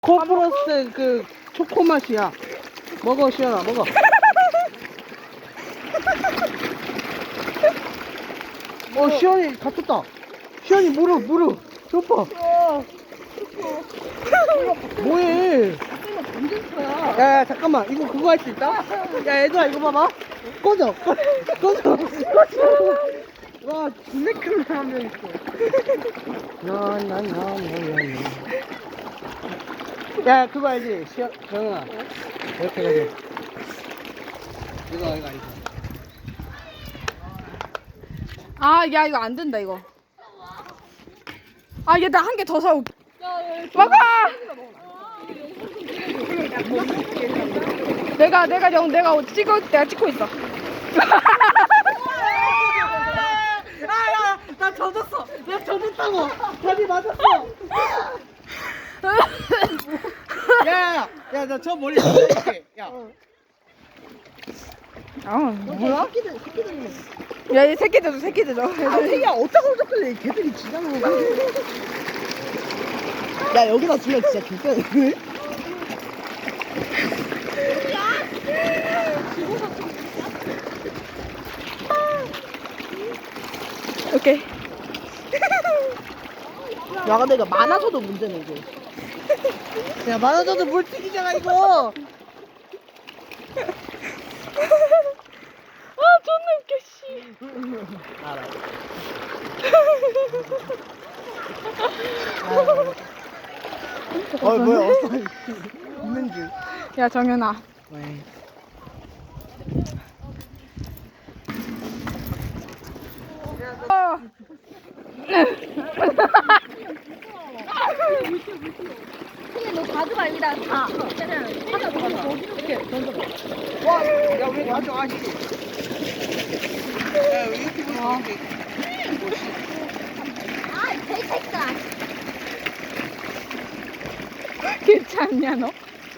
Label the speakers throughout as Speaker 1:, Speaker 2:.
Speaker 1: 코프로스트 그 초코 맛이야. 먹어 시연아 먹어. 시연이 갇혔다. 시연이 무릎 좁아. 뭐해? 야 잠깐만 이거 그거 할 수 있다? 야 얘들아 이거 봐봐. 꺼져. 와 진짜 큰 사람 명 있어. 야 그거 알지? 정현아 이렇게 해가지고 이거 아니고
Speaker 2: 아, 야, 이거 안 된다, 이거. 아, 얘 나 한 개 더 사올게. 먹어! 내가 찍고 있어.
Speaker 1: 야야 나 젖었어. 나 젖었다고. 다리 맞았어. 야야야 나 저 머리 젖을게. 야 뭐야?
Speaker 2: 야, 얘 새끼들 줘.
Speaker 1: 새끼야 어쩌고 저쩌고 걔들이 지나는 거. 야 여기다 주면 진짜 개쎄네.
Speaker 2: 오케이.
Speaker 1: 야 근데 이거 많아져도 문제네 이거. 야 많아져도 물 튀기잖아 이거.
Speaker 2: 아, 존나 웃겨, 씨.
Speaker 1: 알아. 뭐야 있는 줄.
Speaker 2: 야, 정현아.
Speaker 1: 왜?
Speaker 3: 근데 너 가져가 여기다 다. 그냥 하나 더 가져가. 이렇게 던져봐.
Speaker 1: 와, 야 우리 가져가시. 야 유튜브 이렇게.
Speaker 3: 아, 개새끼다.
Speaker 2: 괜찮냐, 너?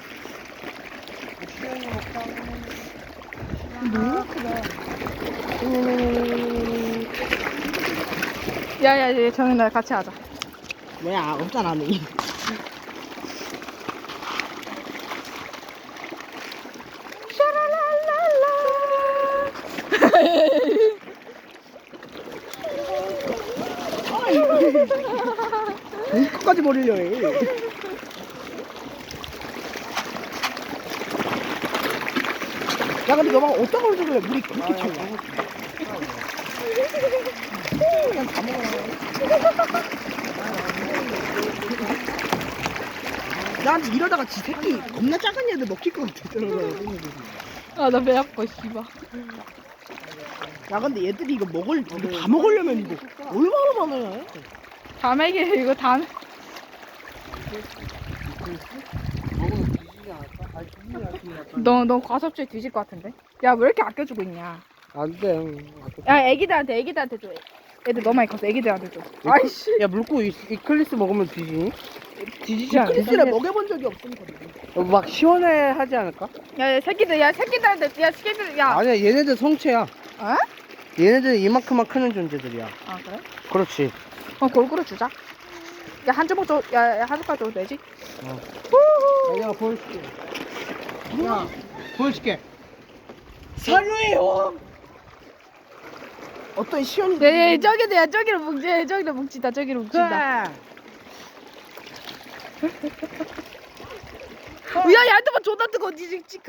Speaker 2: 야, 얘 정현아 같이 하자.
Speaker 1: 뭐야 없잖아 너. 끝까지 버리려 해. 야 근데 너가 어떤 걸 주길래 물이 그렇게 차냐? 그냥 다 먹어. 나한테 이러다가 지 새끼 겁나 작은 애들 먹힐 것 같아.
Speaker 2: 아, 나 배 아파, 씨발.
Speaker 1: 야 근데 얘들이 이거 다 먹으려면 이거 얼마나 많아야 해?
Speaker 2: 다메기, 이거 다. 너 과섭주에 뒤질 것 같은데? 야, 왜 이렇게 아껴주고 있냐?
Speaker 1: 안돼.
Speaker 2: 야, 애기들한테 줘. 애들 너무 많이 컸어. 애기들한테 줘. 아이씨.
Speaker 1: 야 물고 이클리스 먹으면 뒤지니?
Speaker 2: 뒤지지 않아.
Speaker 1: 이클리스를 먹여본 적이 없으니까. 막 시원해하지 않을까?
Speaker 2: 야, 새끼들, 새끼들, 야.
Speaker 1: 아니야 얘네들 성체야.
Speaker 2: 어?
Speaker 1: 얘네들 이만큼만 크는 존재들이야.
Speaker 2: 아, 그래?
Speaker 1: 그렇지.
Speaker 2: 골고루 주자. 야, 한 조각 줘. 야, 한 조각 줘도 되지?
Speaker 1: 내가 보여줄게. 야 보여줄게. 산루의 형. 어떤 시원이.
Speaker 2: 야, 저기로 뭉친다. 저기로 뭉친다. 야, 야, 한테만 존나 뜨거워.